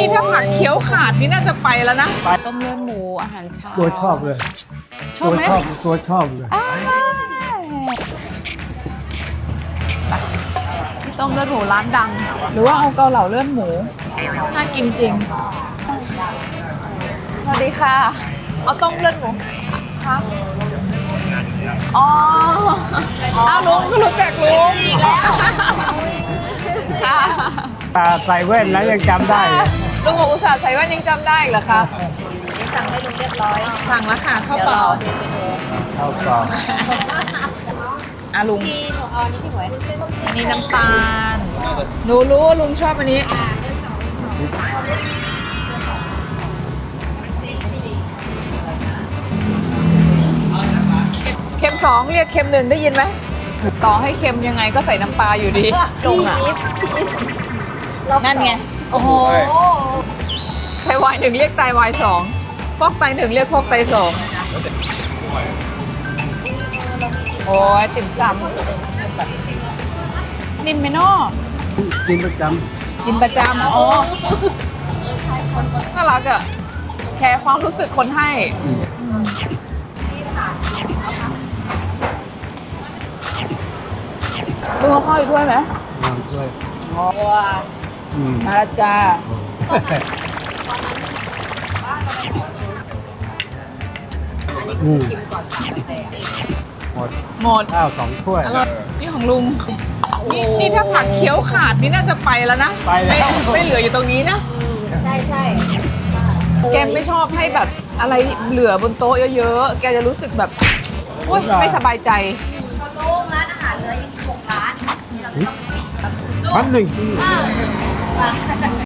นี่ถ้าผักเคี้ยวขาดนี่น่าจะไปแล้วนะต้มเลือดหมูอาหารเช้าตัวชอบเลยชอบไหมตัวชอบเลยที่ต้มเลือดหมูร้านดัง หรือว่าเอาเกาเหลาเลือดหมูน่ากินจริงสวัสดีค่ะเอาต้มเลือดหมูค่ะอ๋ออ้าวลุงก็รู้จักลุงอีกแล้วค่ะตาใส่แว่นแล้วยังจำได้เลยลุงบอกอุตส่าห์ใส่แว่นยังจำได้อีกเหรอคะนี่สั่งให้ลุงเรียบร้อยสั่งแล้วค่ะข้าวเดี๋ยวเปรล่าอดูไปดูเอาต่ออ่ะลุงพี่หนูเอาอันนี้พี่หมวยอันนี้น้ำตาลหนูรู้ว่าลุงชอบอันนี้เค็มสองเรียกเค็มหนึ่งได้ยินไหมต่อให้เค็มยังไงก็ใส่น้ำปลาอยู่ดีลุงอ่ะนั่นไงโอ้โหไตวายหนึ่งเรียกไตวายสองฟอกไตหนึ่งเรียกฟอกไตสองโอ้ยติ่มซำนิ่มไหมน้อกินประจกินประจำอ๋อน่ารักอะแคร์ความรู้สึกคนให้ลุงเอาข้าวอยู่ด้วยไหมำน้ำช่วยว้าอืมมาและจ้าอืมหมดหมดข้าว2 ถ้วยอร่อยนี่ของลุงนี่ถ้าผักเคี้ยวขาดนี่น่าจะไปแล้วนะไปแล้วไม่เหลืออยู่ตรงนี้นะใช่ใช่แกไม่ชอบให้แบบอะไรเหลือบนโต๊ะเยอะๆ แกจะรู้สึกแบบโอ๊ยไม่สบายใจลุงร้านอาหารเหลืออีก6 ร้าน 1,000